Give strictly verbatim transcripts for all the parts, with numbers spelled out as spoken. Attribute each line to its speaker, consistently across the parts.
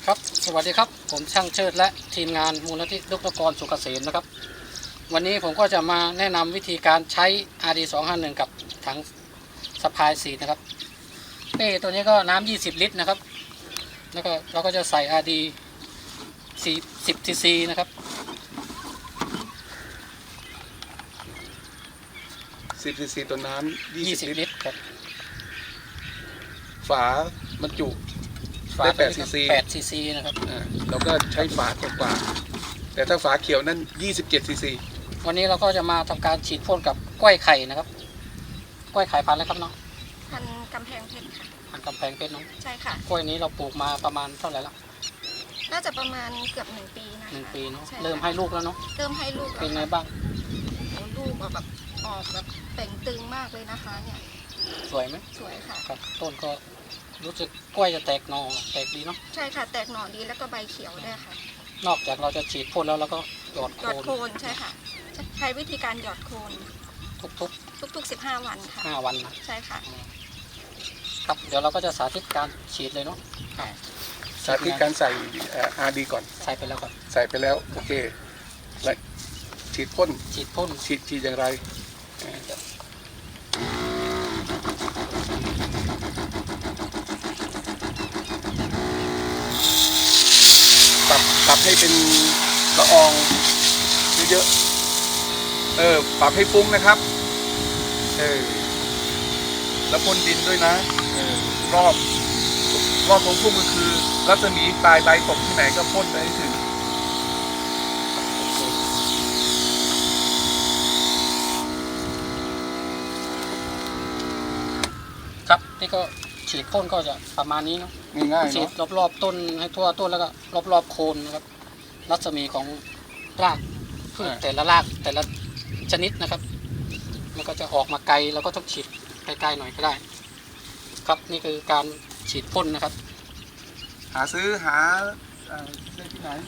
Speaker 1: ครับสวัสดีครับผมช่างเชิดและทีมงานมูลนิธิดรกรสุขเกษมนะครับวันนี้ผมก็จะมาแนะนำวิธีการใช้ อาร์ ดี สองห้าหนึ่ง กับถังสะพายสีนะครับเป้ตัวนี้ก็น้ำยี่สิบลิตรนะครับแล้วก็เราก็จะใส่ อาร์ ดี สี่สิบ ซี ซีนะครับ
Speaker 2: สิบซีซีตัวน้ำยี่
Speaker 1: ยี่
Speaker 2: สิ
Speaker 1: สิ
Speaker 2: บบ ลิ
Speaker 1: ลิ
Speaker 2: ตร
Speaker 1: ตรครับ
Speaker 2: ฝาบรรจุ
Speaker 1: ฝา
Speaker 2: ได้แปดซีซี
Speaker 1: แปด ซี ซีนะครับ
Speaker 2: อ่าเราก็ใช้ฝากว่าๆแต่ถ้าฝาเขียวนั้นยี่สิบเจ็ดซีซี
Speaker 1: วันนี้เราก็จะมาทำการฉีดพ่นกับกล้วยไข่นะครับกล้วยไข่พันธุ์แล้วครับเนาะ
Speaker 3: พันกำแพงเพชรค่ะ
Speaker 1: พันธุ์กำแพงเพชรเนาะ
Speaker 3: ใช่ค่ะ
Speaker 1: กล้วยนี้เราปลูกมาประมาณเท่าไหร่ละ
Speaker 3: น่าจะประมาณเกือบหนึ่งปีนะคะ
Speaker 1: หนึ่งปีเนาะ
Speaker 3: ช่ค่ะ
Speaker 1: เริ่มให้ลูกแล้วเนาะ
Speaker 3: เริ่มให้ลูกแล้ว
Speaker 1: เป็นไง
Speaker 3: ค่ะ
Speaker 1: บ้าง
Speaker 3: โอ้ลูกออกแบบออกแบบเต่งตึงมากเลยนะคะเนี่ย
Speaker 1: สวยไหม
Speaker 3: สวยค่ะ
Speaker 1: ครับต้นก็รู้สึกกล้วยจะแตกหน่อแตกดีเนาะ
Speaker 3: ใช่ค่ะแตกหน่อดีแล้วก็ใบเขียวด้วยค่ะ
Speaker 1: นอกจากเราจะฉีดพ่นแล้วเราก็หยอด
Speaker 3: ห
Speaker 1: โค
Speaker 3: ยอด
Speaker 1: น
Speaker 3: โคนใช่ค่ะ ใช้วิธีการหยอดโคน
Speaker 1: ทุก
Speaker 3: ทุกๆสิบห้าวัน
Speaker 1: ๆ
Speaker 3: ค่ะ
Speaker 1: ห้าวันนะ
Speaker 3: ใช่ค่ะ
Speaker 1: ครับเดี๋ยวเราก็จะสาธิตการฉีดเลยเนาะ
Speaker 2: สาธิตการใส่อาร์ดีก่อน
Speaker 1: ใส่ไปแล้วครับ
Speaker 2: ใส่ไปแล้วโอเคแล้วฉีดพ่น
Speaker 1: ฉีดพ่น
Speaker 2: ฉีดฉีดอย่างไรปรับปรับให้เป็นละอองเยอะๆเออปรับให้ฟุ้งนะครับเออแล้วพ่นดินด้วยนะเออรอบรอบของพุ่มก็คือรัศมีปลายใบตกที่ไหนก็พ่นไปให้ถึง
Speaker 1: ครับนี่ก็ฉีดพ่นก็จะประมาณนี้เนาะ
Speaker 2: ง่ายๆ
Speaker 1: ฉี
Speaker 2: เนาะ
Speaker 1: ดรอบๆต้นให้ทั่วต้นแล้วก็รอบๆโคนนะครับรัศมีของรากพืชแต่ละรากแต่ละชนิดนะครับมันก็จะออกมาไกลเราก็ต้องฉีดไกลๆหน่อยก็ได้ ครับนี่คือการฉีดพ่นนะครับ
Speaker 2: หาซื้อหาเอ่อได้ที่ไหน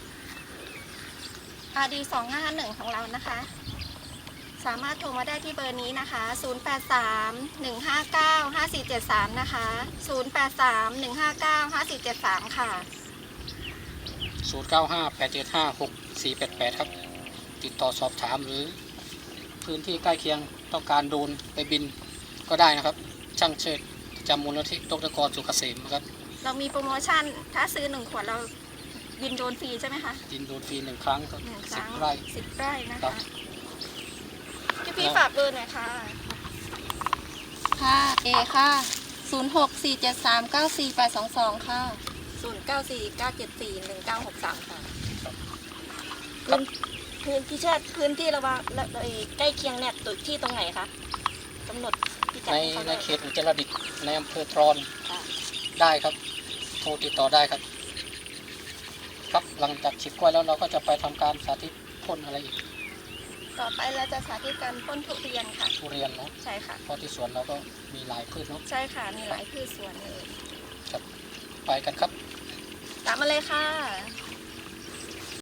Speaker 3: อาร์ ดี สองห้าหนึ่งของเรานะคะ สามารถโทรมาได้ที่เบอร์นี้นะคะ ศูนย์ แปด สาม หนึ่ง ห้า เก้า ห้า สี่ เจ็ด สาม นะคะ ศูนย์ แปด สาม หนึ่ง ห้า เก้า ห้า สี่ เจ็ด สาม ค่ะ
Speaker 1: ศูนย์ เก้า ห้า แปด เจ็ด ห้า หก สี่ แปด แปด ครับ ติดต่อสอบถามหรือพื้นที่ใกล้เคียงต้องการโดรนไปบินก็ได้นะครับ ช่างเชิดประจำมูลนิธิดรกรสุขเกษมนะครับ
Speaker 3: เรามีโปรโมชั่น ถ้าซื้อหนึ่งขวดเราบินโดรนฟรีใช่ไหมคะ
Speaker 1: บินโดรนฟรีหนึ่งครั้งครับ
Speaker 3: หนึ่งค
Speaker 1: สิบ
Speaker 3: รั้ง
Speaker 1: ไร่
Speaker 3: สิบไร่นะ
Speaker 1: ครั
Speaker 3: คะ
Speaker 1: บ
Speaker 3: พี่พี่ฝากเบอร์หน่อยค่ะ
Speaker 4: ค่ะ เอค่ะ ศูนย์ หก สี่ เจ็ด สาม เก้า สี่ แปด สอง สอง ค่ะ
Speaker 3: ศูนย์ เก้า สี่ เก้า เจ็ด สี่ หนึ่ง เก้า หก สาม ค่ะ
Speaker 1: ครับ
Speaker 5: พื้นที่เชิดพื้นที่ระหว่างและเอ่อใกล้เคียงเนี่ยตุที่ตรงไหนคะกำหนดพิกัด
Speaker 1: ใน
Speaker 5: ให้เขา
Speaker 1: ใน
Speaker 5: ด้วย
Speaker 1: เขตอุจจาระดิตในอำเภอตรอน
Speaker 5: ค่ะ
Speaker 1: ได้ครับ โทรติดต่อได้ครับ ครับหลังจากฉีดกล้วยแล้วเราก็จะไปทำการสาธิตพ่นอะไรอีก
Speaker 3: ต่อไปเราจะสาธิตการพ่นทุเรียนค่ะ
Speaker 1: ทุเรียนเนาะ
Speaker 3: ใช่ค่ะ
Speaker 1: เพราะที่สวนเราก็มีหลายพืชเนาะ
Speaker 3: ใช่ค่ะ มีหลายพืชสวนเลย
Speaker 1: ไปกันครับ
Speaker 3: ตามมาเลยค่ะ